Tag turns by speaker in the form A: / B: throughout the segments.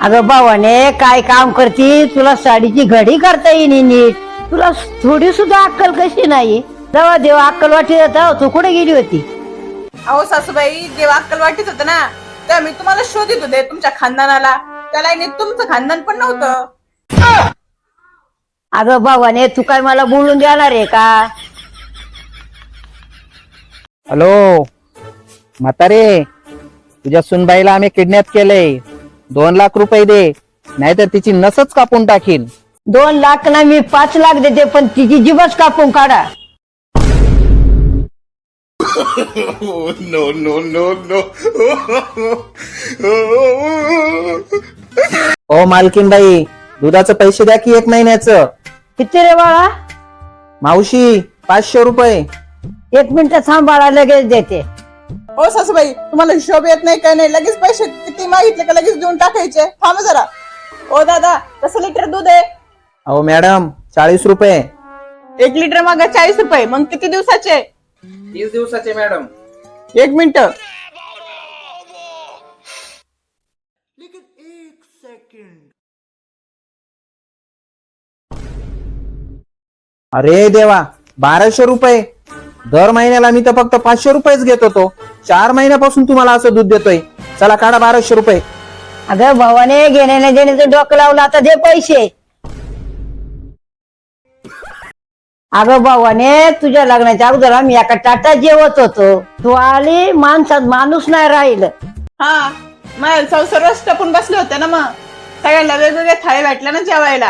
A: अगं भावाने काय काम करती, तुला साडीची घडी करता येईन नीट. तुला थोडी सुद्धा अक्कल कशी नाही. जेव्हा देव अक्कल वाटी जाता तू कुठे गेली होती?
B: अहो सासूबाई, जेव्हा अक्कल वाटीत होतं ना तेव्हा मी तुम्हाला शोधित होते तुमच्या खानदानाला. त्याला तुमचं खानदान पण नव्हतं.
A: अगं भावाने तू काय मला बोलून देणार आहे का?
C: हॅलो म्हातारे, तुझ्या सुनबाईला आम्ही किडनॅप केलंय. 2 लाख रुपये दे, नाहीतर तिची नसच कापून टाकीन.
A: 2 लाख ना मी 5 लाख देते, पण तिची जीवच कापून काढा.
D: No, no, no, no.
C: ओ मालकीनबाई, दुधाचं पैसे द्या की 1 महिन्याचं.
A: किती रे बाळा?
C: मावशी 500 रुपये.
A: 1 मिनिट थांब बाळा, लगेच देते.
B: हो सासूबाई, तुम्हाला हिशोब येत नाही काय नाही? लगेच पैसे किती मागितले का लगेच देऊन टाकायचे? थांब जरा. ओ दादा, कसं लिटर दूध आहे?
C: अहो मॅडम 40 रुपये.
B: 1 लिटर मागा 40 रुपये. मग किती दिवसाचे?
C: 30 दिवसाचे मॅडम.
B: 1 मिनिट.
C: अरे देवा, 1200 रुपये. दर महिन्याला मी तर फक्त 500 रुपयेच घेत होतो. 4 महिन्यापासून तुम्हाला असं दूध देतोय. चला काढा 1200 रुपये.
A: अगं भावाने घेण्याने देण्याचं डोकं लावलं, आता दे पैसे. अगं भावाने, तुझ्या लग्नाच्या अगोदर आम्ही एका टाटा जेवत होतो. तू आली, माणसात माणूस नाही राहिलं.
B: हा, मग सर्वच टपून बसले होते ना. मग सगळ्यांना वेगवेगळ्या थाळी भेटल्या ना जेवायला.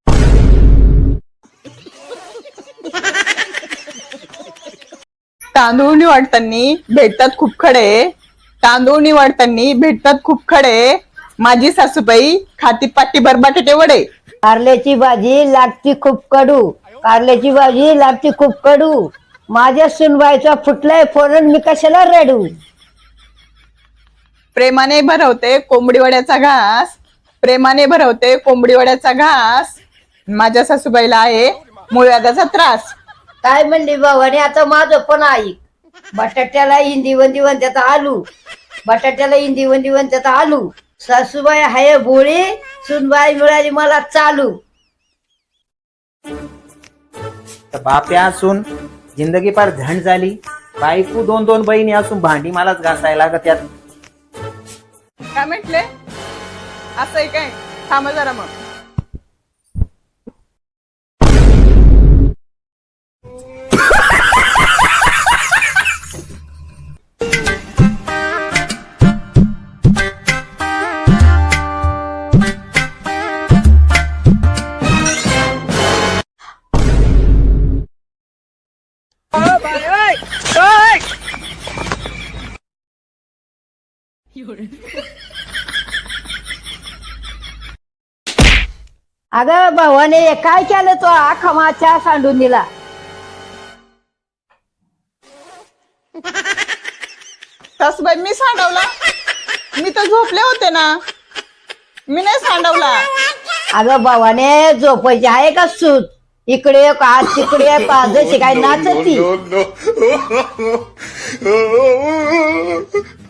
B: तांदूळ निवडताना भेटतात खूप खडे. तांदूळ निवडताना भेटतात खूप खडे. माझी सासूबाई खाती पाटी बटाटे वडे.
A: कारल्याची भाजी लागती खूप कडू. कारल्याची भाजी लागती खूप कडू. माझ्या सुनबाईचा फुटलाय फोडून, मी कशाला रडू.
B: प्रेमाने भरवते कोंबडी वड्याचा घास. प्रेमाने भरवते कोंबडी वड्याचा घास. माझ्या सासूबाईला आहे मूळव्याधाचा त्रास.
A: काय म्हणली भावाने? आता माझं पण ऐक. बटाट्याला हिंदी वंदी म्हणतात आलू. बटाट्याला हिंदी वंदी म्हणतात आलू. सासूबाई हाय भोळी, सुनबाई मिळाली मला चालू.
C: बाप्या असून जिंदगी पार झंड झाली. बायको 2-2 बहिणी असून भांडी मलाच घासायला लागत यात.
B: काय म्हटले? असं आहे काय? थांब जरा मग.
A: अगं भावाने काय केलं? तो आखा माच्या सांडून दिला.
B: सासूबाई, मी सांडवला? मी तर झोपले होते ना. मी नाही सांडवला.
A: अगं भावाने झोपायची आहे का सूत? इकडे का तिकडे का, जशी काय नाचती.
D: No, no, no.